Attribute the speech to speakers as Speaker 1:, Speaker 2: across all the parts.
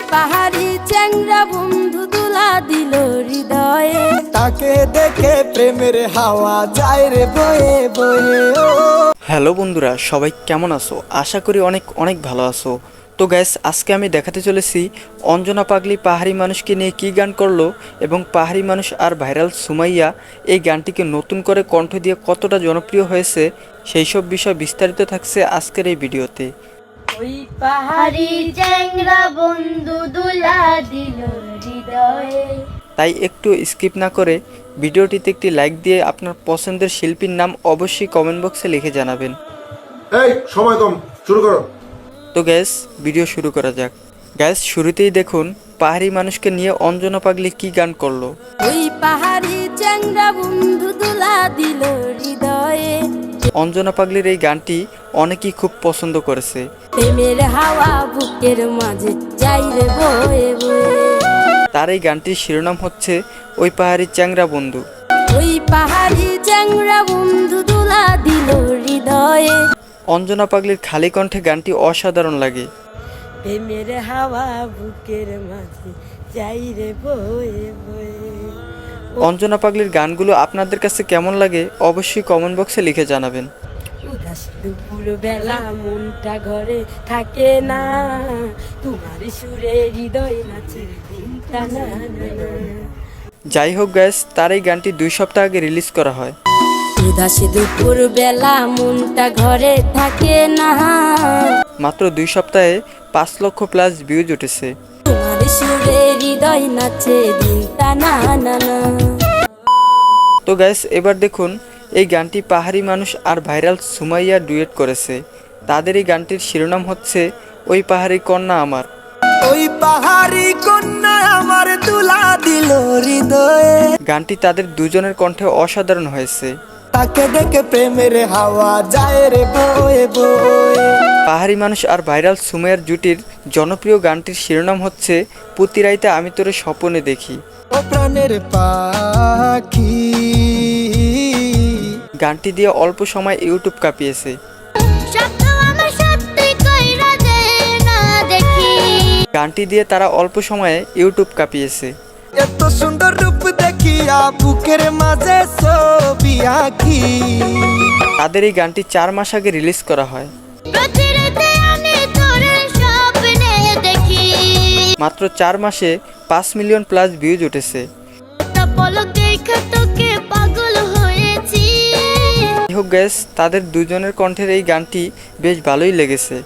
Speaker 1: পাহাড়ি চ্যাংরা বন্ধু দুলা দিল হৃদয়ে,
Speaker 2: তাকে দেখে প্রেমের হাওয়া যায় রে বয়ে বয়ে।
Speaker 3: হ্যালো বন্ধুরা, সবাই কেমন আছো? আশা করি অনেক অনেক ভালো আছো। তো গ্যাস, আজকে আমি দেখাতে চলেছি অঞ্জনা পাগলি পাহাড়ি মানুষকে নিয়ে কী গান করলো এবং পাহাড়ি মানুষ আর ভাইরাল সুমাইয়া এই গানটিকে নতুন করে কণ্ঠ দিয়ে কতটা জনপ্রিয় হয়েছে সেই সব বিষয় বিস্তারিত থাকছে আজকের এই ভিডিওতে।
Speaker 1: ওই পাহাড়ি চ্যাংরা বন্ধু দুলা দিল হৃদয়ে।
Speaker 3: তাই একটু স্কিপ না করে ভিডিওটিতে একটি লাইক দিয়ে আপনার পছন্দের শিল্পীর নাম অবশ্যই কমেন্ট বক্সে লিখে জানাবেন।
Speaker 4: এই সময় কম, শুরু করো।
Speaker 3: তো গ্যাস, ভিডিও শুরু করা যাক। গ্যাস, শুরুতেই দেখুন পাহাড়ি মানুষকে নিয়ে অঞ্জনা পাগলি কি গান করলো।
Speaker 1: ওই পাহাড়ি চ্যাংরা বন্ধু দুলা দিল হৃদয়ে।
Speaker 3: অঞ্জনা পাগলির এই গানটি অনেকেই খুব পছন্দ করেছে।
Speaker 1: প্রেমের হাওয়া বুকের মাঝে যাই রে বয়ে বয়ে।
Speaker 3: তার এই গানটির শিরোনাম হচ্ছে ওই পাহাড়ি চ্যাংরা বন্ধু।
Speaker 1: ওই পাহাড়ি চ্যাংরা বন্ধু দুলা দিল হৃদয়ে।
Speaker 3: অঞ্জনা পাগলির খালি কণ্ঠে গানটি অসাধারণ লাগে।
Speaker 1: প্রেমের হাওয়া বুকের মাঝে যাই রে বয়ে বয়ে।
Speaker 3: অঞ্জনা পাগলির গানগুলো আপনাদের কাছে কেমন লাগে অবশ্যই কমেন্ট বক্সে লিখে জানাবেন।
Speaker 1: উদাস দুপুর বেলা মনটা ঘরে থাকে না, তোমার সুরে হৃদয় নাচে দিনটা না না না।
Speaker 3: যাই হোক গ্যাস, তার এই গানটি 2 সপ্তাহ আগে রিলিজ করা হয়।
Speaker 1: উদাস দুপুর বেলা মনটা ঘরে থাকে না,
Speaker 3: মাত্র 2 সপ্তাহে 5 লক্ষ প্লাস ভিউজ উঠেছে।
Speaker 1: তোমার সুরে হৃদয় নাচে দিনটা না না না।
Speaker 3: তো গ্যাস, এবার দেখুন এই গানটি পাহাড়ি মানুষ আর ভাইরাল সুমাইয়া ডুয়েট করেছে। তাদের এই গানটির শিরোনাম হচ্ছে ওই পাহাড়ি কন্যা আমার।
Speaker 2: ওই পাহাড়ি কন্যা আমার তুলা দিল হৃদয়ে।
Speaker 3: গানটি তাদের দুজনের কণ্ঠে অসাধারণ হয়েছে।
Speaker 2: তাকে দেখে প্রেমের হাওয়া যায় রে বয়ে বয়ে।
Speaker 3: পাহাড়ি মানুষ আর ভাইরাল সুমাইয়ার জুটির জনপ্রিয় গানটির শিরোনাম হচ্ছে প্রতি রাইতে আমি তোরে স্বপ্নে দেখি।
Speaker 2: ও প্রাণের পাখি।
Speaker 3: গানটি দিয়ে অল্প সময় ইউটিউব কাঁপিয়েছে। গানটি দিয়ে তারা অল্প সময়ে ইউটিউব কাঁপিয়েছে।
Speaker 2: এত সুন্দর রূপ দেখিয়া বুকের মাঝে ছবি আঁকি।
Speaker 3: তাদের এই গানটি 4 মাস আগে রিলিজ করা হয়। মাত্র 4 মাসে 5 মিলিয়ন প্লাস ভিউজ উঠেছে। যাই হোক গ্যাস, তাদের দুজনের কণ্ঠের এই গানটি বেশ ভালোই লেগেছে।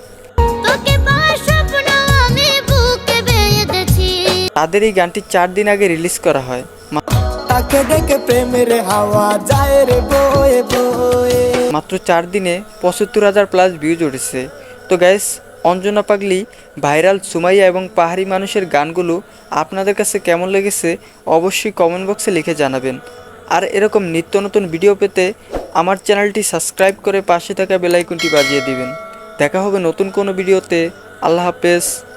Speaker 3: তাদের এই গানটি 4 দিন আগে রিলিজ করা হয়।
Speaker 2: তাকে দেখে প্রেমের হাওয়া যায় রে বয়ে বয়ে।
Speaker 3: মাত্র 4 দিনে 75,000 প্লাস ভিউজ উঠেছে। তো গ্যাস, অঞ্জনা পাগলি, ভাইরাল সুমাইয়া এবং পাহাড়ি মানুষের গানগুলো আপনাদের কাছে কেমন লেগেছে অবশ্যই কমেন্ট বক্সে লিখে জানাবেন। আর এরকম নিত্য নতুন ভিডিও পেতে আমার চ্যানেলটি সাবস্ক্রাইব করে পাশে থাকা বেল আইকনটি বাজিয়ে দিবেন। দেখা হবে নতুন কোনো ভিডিওতে। আল্লাহ হাফেজ।